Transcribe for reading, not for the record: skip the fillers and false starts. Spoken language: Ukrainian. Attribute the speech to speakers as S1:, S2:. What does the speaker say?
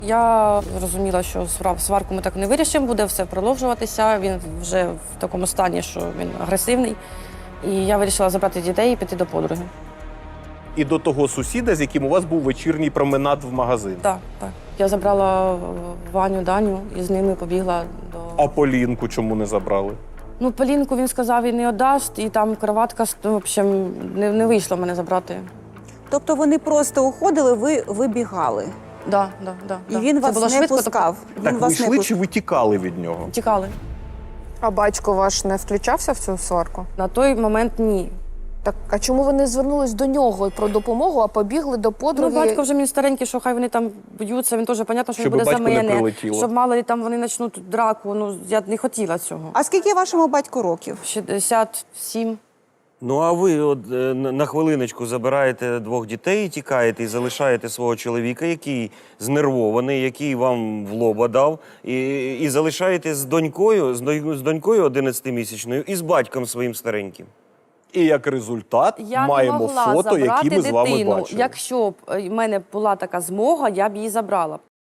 S1: Я розуміла, що сварку ми так не вирішимо, буде все продовжуватися. Він вже в такому стані, що він агресивний. І я вирішила забрати дітей і піти до подруги.
S2: І до того сусіда, з яким у вас був вечірній променад в магазин.
S1: Так, так. Я забрала Ваню, Даню і з ними побігла до...
S2: А Полінку чому не забрали?
S1: Ну, Полінку він сказав, він не віддасть, і там кроватка, в общем, не вийшло мене забрати.
S3: Тобто вони просто уходили, ви вибігали.
S1: Да.
S3: І він
S1: Це
S3: вас
S1: було
S3: не
S1: швидко,
S3: пускав.
S2: Так ви йшли чи ви тікали від нього?
S1: Тікали.
S4: А батько ваш не включався в цю сварку?
S1: На той момент ні.
S4: Так, а чому ви не звернулись до нього про допомогу, а побігли до
S1: Ну,
S4: подруги?
S1: батько вже мені старенький, що хай вони там б'ються, він теж, понятно, що
S2: Щоб
S1: він буде за
S2: батьку не
S1: мене.
S2: прилетіло.
S1: Щоб мало ли там вони почнуть драку, ну, я не хотіла цього.
S3: А скільки вашому батьку років?
S1: 67.
S5: Ну, а ви от на хвилиночку забираєте двох дітей, тікаєте і залишаєте свого чоловіка, який знервований, який вам в лоба дав, і залишаєте з донькою 11-місячною і з батьком своїм стареньким.
S2: І як результат
S1: Я
S2: маємо
S1: не могла
S2: фото,
S1: забрати
S2: які ми з вами
S1: дитину.
S2: бачили.
S1: Якщо б в мене була така змога, я б її забрала.